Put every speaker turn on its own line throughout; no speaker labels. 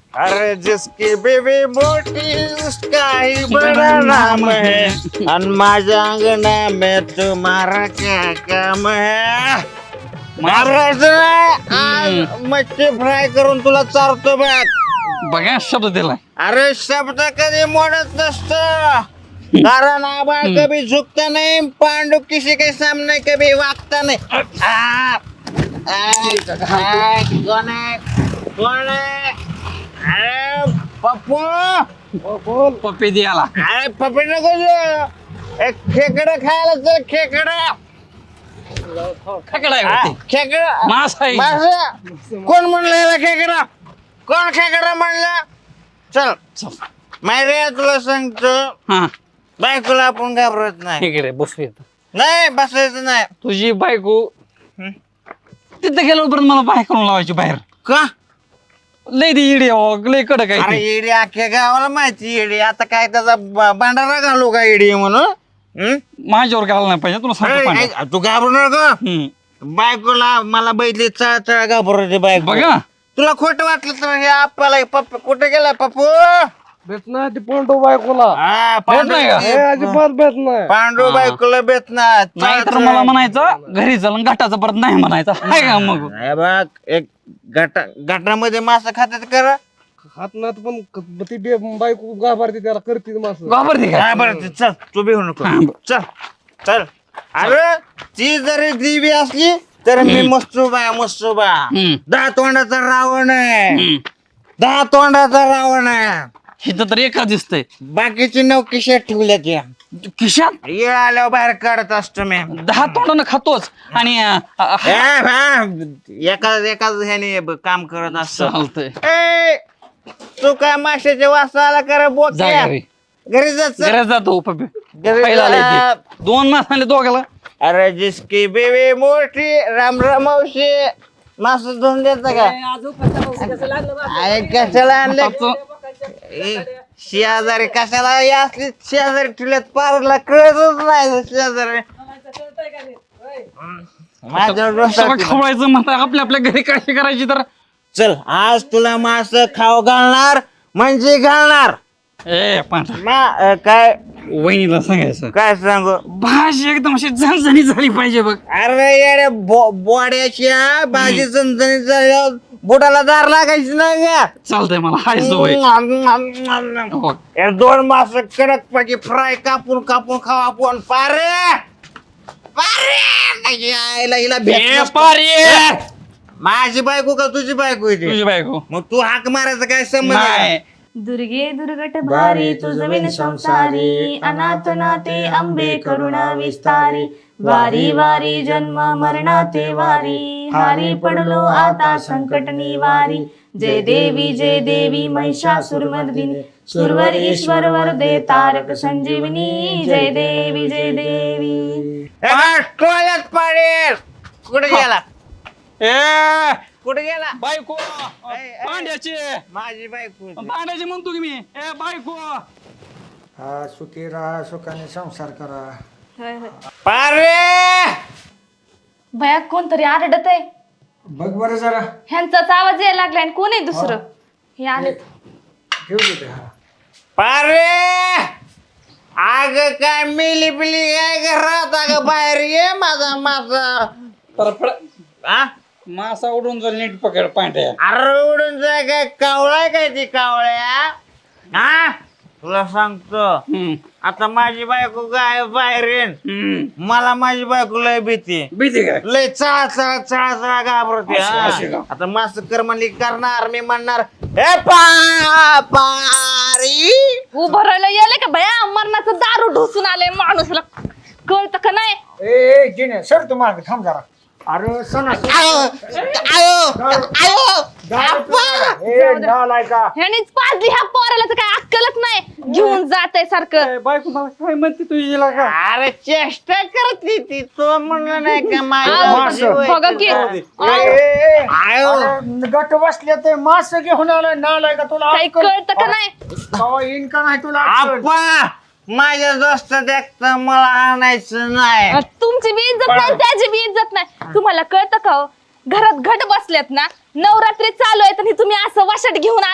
अरे जिसकी बेबी मोटी उसका ही बड़ा नाम है और माझ्या अंगना में तुम्हारा क्या काम है मारायचं आज मच्छी फ्राय करून तुला चारतो बघ
बघा शब्द दिलाय
अरे शब्द कधी मोडत नसतो कारण आबा कभी झुकता नहीं पांडु किसी के सामने कभी वागता नहीं कौन है कौन है अरे पप्पू
पप्पी द्याला
अरे पप्पी नको देऊ. एक खेकडं खायला चल खेकडं
खेकडा आहे
खेकडं
मास आहे
मासा कोण म्हणलं याला खेकडा कोण खेकडा म्हणलं चल माहिती तुला सांगतो
हा
बायकोला आपण घाबरत नाही
इकडे बसू येत
नाही बसायचं नाही
तुझी बायको तिथं गेल्यावर मला बाहेर करून लावायची बाहेर
का
लय दी इडी लय कडक
अरे
आहे
येडी अख्ख्या गावाला माहिती येडी आता काय त्याचा भांडारा घालू का येडी म्हणून हं?
माझ्यावर घाला नाही पाहिजे तुला सांगतो
अरे,
पांड्या.
तू घाबरू नका
हम्म.
बायकोला मला बैठली चळा घाबरते बायको
बघा
तुला खोटं वाटलं तर हे आपल्याला पप्पू कुठे गेला पप्पू
भेट नाही ती पोंडो बायकोला
हा,
भेट नाही का?
हे अजिबात भेट नाही
पांडू बायकोला बेत ना
नाही तर मला म्हणायचं घरी चल घाटाचं परत नाही म्हणायचं हाय का मग
हे बघ एक घाटामध्ये मासा खात्यात करा
हात नात पण ती बायको गाभारते त्याला करते मास
घाबरते का
काय बरं ते चल तू बी होऊ नको चल चल अरे ती जरी देवी असली तर मी मस्तुबा
हम्म.
10 तोंडाचा रावण आहे 10 तोंडाचा रावण आहे
इथं तर एका दिसतंय
बाकीची 9 खिशात ठेवल्यात या
खिशात
येळ आल्यावर बाहेर काढत असतो मी
10 तोंडानं खातोच आणि
एकाच ह्याने काम करत असतो
चालतंय
ए तू काय माशाच्या वासाला कर
जा
बोक्या
घरी
घरी जात
घरात जातो पप्पी
घरी
पहिला आलंय
जा.
ते. 2 मास आले दोघाला
अरे जिसकी बेबी मोठी राम मावशी मास धुवून देता का अरे कशाला आणले शेजारी कशाला असली शेजारी ठेवल्यात पारला कळतच नाही शेजारी माझ्या
सगळं
डोक्यात-
खवळायचं म्हणतात आपल्या घरी काळजी करायची तर
चल आज तुला मास खाऊ घालणार म्हणजे घालणार
ए पांढरा
काय
वहिनीला सांगायचं
काय सांगू
भाजी एकदम अशी झणझणी झाली पाहिजे बघ
अरे येड्या बोड्याच्या भाजी चणचणीत झाल्यावर बोटाला दार लागायची नाही का
चालतंय मला हाय सवय हो.
या 2 मास कडक पैकी फ्राय कापून खाऊ आपण पारे आईला हिला भेट
ए,
नसतो.
पारे!
माझी बायको का तुझी बायको आहे ती?
तुझी बायको
मग तू हाक मारायचा काय संबंध आहे?
नाही
दुर्गे दुर्गट भारी तुझविन संसारी अनाथ नाते अंबे करुणा विस्तारी वारी वारी जन्म मरणाते वारी हारी पडलो आता संकट निवारी जय देवी महिषासुरमर्दिनी सुरवर ईश्वर वरदे तारक संजीवनी जय देवी
ए बा, टोळ्यात पाडेल कुठे गेला
ए
कुठे गेला
बायको
ए.
पांड्याची
माझी बायको
पांड्याची म्हणतो की मी ए बायको
हा सुखी राहा सुखाने संसार करा
पारे
भया कोणतरी आरडत आहे
बघ बरं जरा
ह्यांचाच आवाज यायला लागलाय आणि कोण आहे दुसरं हे आले
ठेव दे हा
पारे आग काय मिली बिली काय घरात अगं बाहेर ये माझा मासा हा?
मासा उडून जर नीट पकड पांढऱ्या
अरे उडून जाय काय कावळाय काय ती कावळ्या हा तुला सांगतो आता माझी बायको काय बाहेर येईन मला माझी बायको लय भीती
भीती काय
लय चळा घाबरते
अशी
हा.
का?
आता मास कर्मली करणार मी म्हणणार हे पारी
उभं राहिलं यायला का भया मरणाचं दारू ढोसून आले माणूसला कळतं का नाही
ए जिने सर तू मागे थांब जरा अरे सणा
ह्यानीच पाजली ह्या पोराला तर काय अक्कलच नाही घेऊन जात आहे सारखं
बायको मला काय म्हणते तुझी का
अरे चेष्टा करते ती तो म्हणलं नाही का
आहो,
माझी
बघा की
गट बसले ते मास घेऊन आलाय नालाय का तुला
काही कळतं का नाही
कवा येईन का नाही तुला अक्कल?
आप्पा माझ्या दोस्त देखता मला आणायचं नाही
तुमची बी इज्जत नाही त्याची बी इज्जत नाही तुम्हाला कळतं का हो? घरात घट बसल्यात ना नवरात्री चालू आहे तर तुम्ही असं वाशट घेऊन आलो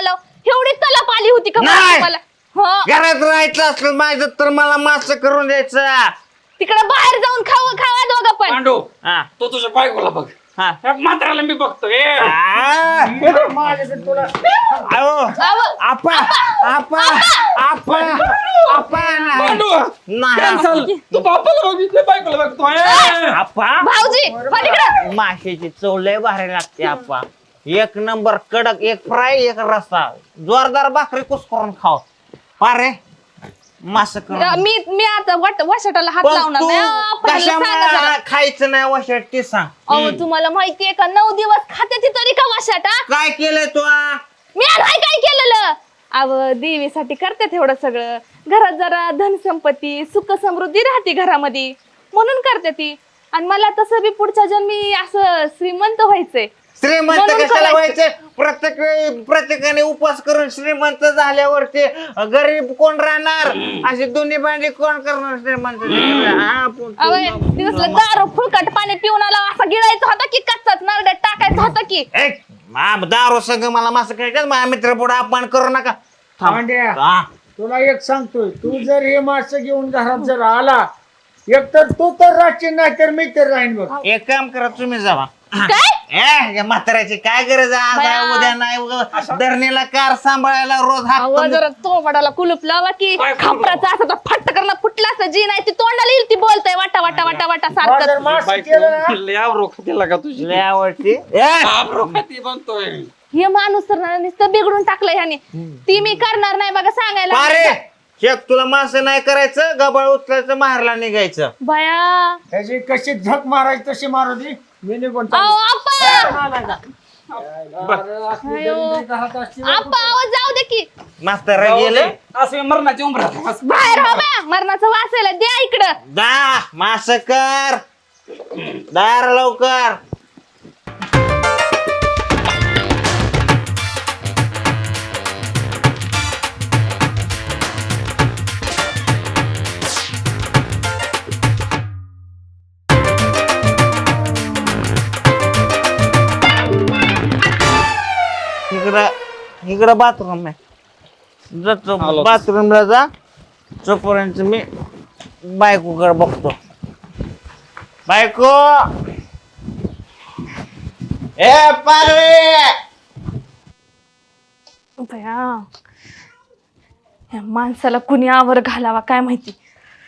एवढी तलप आली होती का
नाही.
मला हो
घरात राहायचं असलं माझं तर मला मास करून द्यायचं.
तिकडे बाहेर जाऊन खावा दोघं पण
पांडू
हा.
तो तुझ्या बायकोला बघ.
हा.
ह्या म्हाताऱ्याला मी बघतो
आ,
माझ्याकडे तुला
अहो, आपा आपा आपा आपा
पांडू
नाही
चल तू बापाला बघितलं बायकोला बघतो
आपा
भाऊजी हो तिकडं
माशाची चव लय भारी लागते आपा. एक नंबर कडक, एक फ्राय एक रस्सा, जोरदार भाकरी कुस्करून खाव. पारे मास करून.
मी आता वाशाटाला हात
पण
लावणार
तू
नाही आपल्याला सांगा जरा.
कशामुळे खायचं नाही वशात ते सांग.
अहो तुम्हाला माहितीये का 9 दिवस खाते ती तरी का वाशाटा
काय केलंय तू
मी नाही काय केलेलं अव देवीसाठी करते तेवढं सगळं घरात जरा धनसंपत्ती सुख समृद्धी राहते घरामध्ये म्हणून करते ती आणि मला तसं बी पुढच्या जन्मी असं श्रीमंत व्हायचंय
श्रीमंत
म्हणून
कशाला
करायचं.
व्हायचे? प्रत्येकाने उपवास करून श्रीमंत झाल्यावरती गरीब कोण राहणार? अशी दोन्ही भांडी कोण करणार श्रीमंत?
अव दिवसला दारू फुलकट पाणी पिऊन आला असा गिळायचा होता की कच्चाच नरड्यात टाकायचा होता की
दारू संघ मला मास खायचं. माझ्या मित्र पुढे अपमान करू नका.
पांड्या
हा.
तुला एक सांगतोय, तू जर हे मासे घेऊन घरात जर आला, एक तर तू तर राहशील नाही तर मी तर राहीन बघ.
एक काम करा, तुम्ही जावा.
काय
या म्हाताऱ्याची काय गरज आहे? आज आहे,
बाया.
उद्या नाही. उगा धरणीला कार सांभाळायला रोज हात
अव जरा तोंडाला कुलूप लावा की खापराचा असं तर फट्ट करणं फुटला असं जी नाही ती तोंडाला येईल ती बोलतय वाटा वाटा वाटा वाटा
जर
सारखं
मासे केलं ना,
लय आवरो खातीला का तुझी
लय आवडती.
आवरो खाती बनतोय
हे माणूस तर ना नुसतं बिघडून टाकलं ह्याने ती मी करणार नाही बघा सांगायला
पारे शेक तुला मास नाही करायचं, गबाळ उचलायचं, मारला निघायचं.
बया
त्याची कशी झक मारायची तशी मारू दे. मी निघून
अहो आप्पा
असली
अयो.
दरिद्री घरात असली ना
आप्पा आवाज जाऊ दे की
म्हातारा गेलं.
असं मरणाची उमरात
बाहेर हो बा मरणाचं वाचायला द्या इकडं
दा मास कर, दार लवकर. इकडं बाथरूम आहे, जातो बाथरूमला जा. तोपर्यंत मी बायकोकडे बघतो. बायको ए पारे
बया या माणसाला कुणी आवर घालावा काय माहिती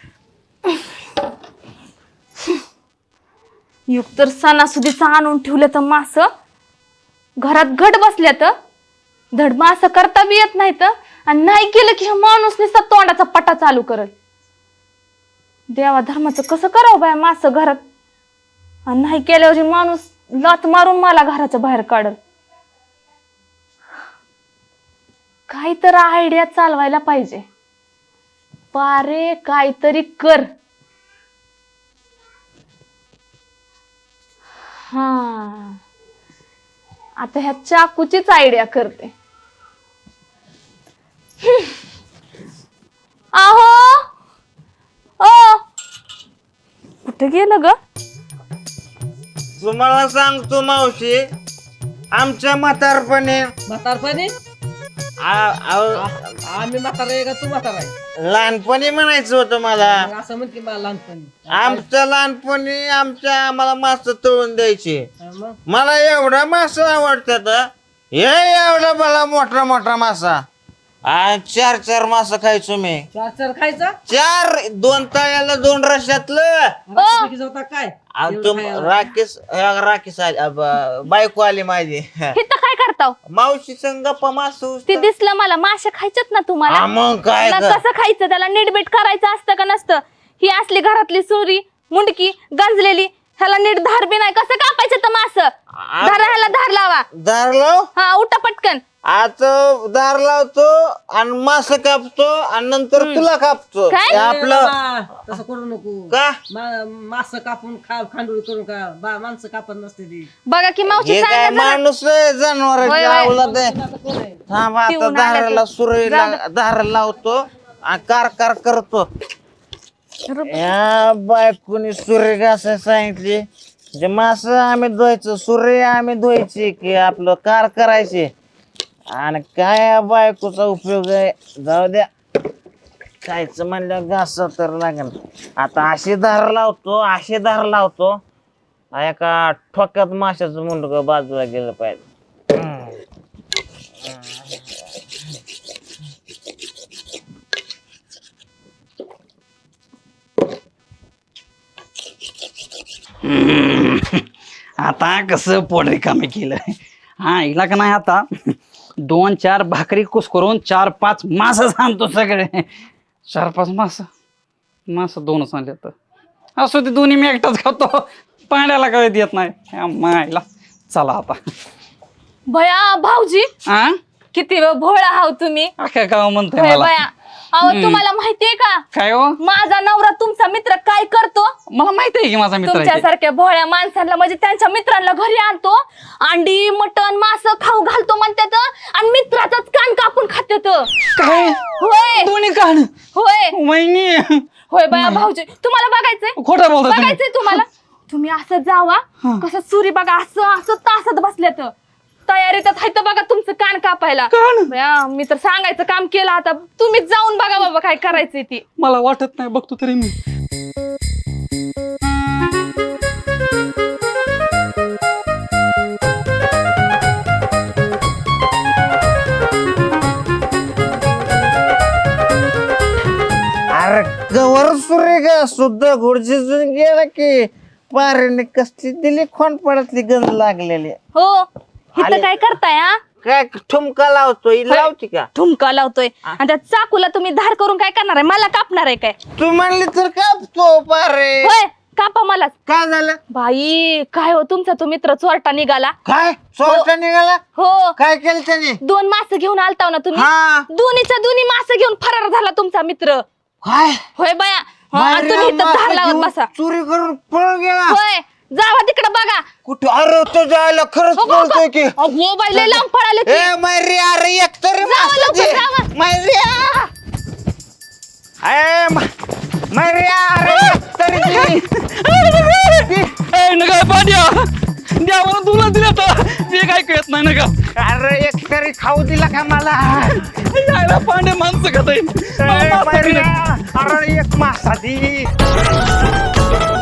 युग तर सणासुदीचं आणून ठेवलं तर मास घरात घट बसल्या तर धड मास करता बी येत नाही तर आणि नाही केलं की हा माणूस नुसता तोंडाचा पटा चालू करल देवा धर्माचं कसं करावं बाय मास घरात आणि नाही केल्यावर माणूस लात मारून मला घराच्या बाहेर काढल काहीतरी आयडिया चालवायला पाहिजे पारे काहीतरी कर हा आता ह्या चाकूचीच आयडिया करते आहो ओ कुठे गेलं ग
तुम्हाला सांगतो मावशी, आमच्या म्हातारपणे
आम्ही म्हातारा आहे का तू म्हातारा आहे?
लहानपणी म्हणायचं होतं मला.
मग असं म्हण की मला लहानपणी
आमच्या लहानपणी आम्हाला मास तळून द्यायचे.
मग
मला एवढा मासा आवडतात. हे एवढा मला मोठा मोठा मासा. आणि 4 मासा खायचो मी.
4 खायचा
2 तळ्याला 2 रश्यातलं.
रात्रीची जेवता काय
आणि राकेश आली, बायको आली माझी.
हे तर काय करताव
मावशी संग गप्पा मासू.
ते दिसलं मला मासे खायच्यात ना तुम्हाला
मग काय
ना
कर.
कसं खायचं त्याला नीटबीट करायचं असतं का नसतं ही असली घरातली सुरी मुंडकी गंजलेली ह्याला नीट धार बी नाही कसं कापायचं तर मास धार ह्याला धार लावा
दार लाव.
हा उठा पटकन
आता दार लावतो आणि मास कापतो आणि नंतर तुला कापतो.
काय?
हे आपलं
तसं करू नको
का
मास कापून खांडोळी करून का माणसं कापत नसते ती
बघा की मावशी
हे काय
सांगा जरा.
माणूस जनावर
होय, होय.
आवलं ते.
कोण आहे
थांब आता
पिऊन आलं
दाराला
तर.
सुरईला दार लावतो आणि कार करतो. या बायकोनी सुरे घासायला सांगितली. जे मास आम्ही धुवायचं, सुरे आम्ही धुवायची की आपलं कार करायची. आणि काय या बायकोचा उपयोग आहे, जाऊ द्या. खायचं म्हणलं घास तर लागेल. आता अशी धार लावतो एका ठोक्यात माशाचं मुंडक बाजूला गेलं पाहिजे.
आता कसं पोट रिकामी केलं. हा हिला का नाही आता 2-4 भाकरी कुस करून 4-5 मास सांगतो सगळे. 4-5 मास 2च आणले तर असो ते दोन्ही मी एकटाच खातो. पाण्याला कळत येत नाही मायला. चला आता.
भया भाऊजी
हा
किती भोळा हाव तुम्ही.
अख्या गाव म्हणतोय
होय
मला.
बया. अहो तुम्हाला माहितीये का
काय हो
माझा नवरा तुमचा मित्र काय करतो.
मला माहित आहे की माझा मित्र आहे ते.
तुमच्यासारख्या भोळ्या माणसांना म्हणजे त्यांच्या मित्रांना घरी आणतो, अंडी मटण मास खाऊ घालतो म्हणतात आणि मित्राचाच कान कापून खात्यात.
काय
होय
दोन्ही कान
होय
वहिनी
होय बया भाऊजी तुम्हाला बघायचंय
खोटं बोलता तुम्ही.
बघायचंय तुम्हाला. तुम्ही असं जावा कसं सुरी बघा असं असं तासात बसल्यात तयारीत आहे बघा तुमचं कान कापायला.
कान?
बया, मी तर सांगायचं काम केलं. आता तुम्हीच जाऊन बघा बाबा काय करायचंय ती.
मला वाटत नाही बघतो तरी मी.
अरे कवर सुरे ग सुद्धा गुडझिजून गेला की पारेने कसली दिली खोनपडातली गंज लागलेली.
हो इथं
आले.
काय करताय हा
काय ठुमका लावतो ही लावती का?
ठुमका लावतोय आणि त्या चाकूला तुम्ही धार करून काय करणार आहे, मला कापणार आहे काय.
तू म्हणली तर कापतो पारे.
होय कापा मलाच.
काय झालं?
बाई काय हो तुमचा तो मित्र चोरटा निघाला.
काय चोरटा निघाला?
हो
काय केलं त्याने?
2 मास घेऊन आलताव ना तुम्ही.
हा.
दोन्हीच्या दोन्ही मास घेऊन फरार झाला तुमचा मित्र.
काय
होय बया. आणि तुम्ही इथं धार लावत बसा.
चोरी करून पळून गेला?
होय जावा तिकडे बघा.
कुठे? अरे तो जायला खरंच बोलतोय की.
मोबाईल लय लांब पळाले ते.
ए मैरी अरे एक तरी
जावा लवकर, जावा.
मैरिया मैरिया अरे एक तरी दे.
नका पांड्या द्या म्हणून तुला दिलं तर मी काय कळत नाही नका.
अरे एक तरी खाऊ दिला का मला?
यायला पांड्या माणसं खात
मैरिया अरे एक मासा दी.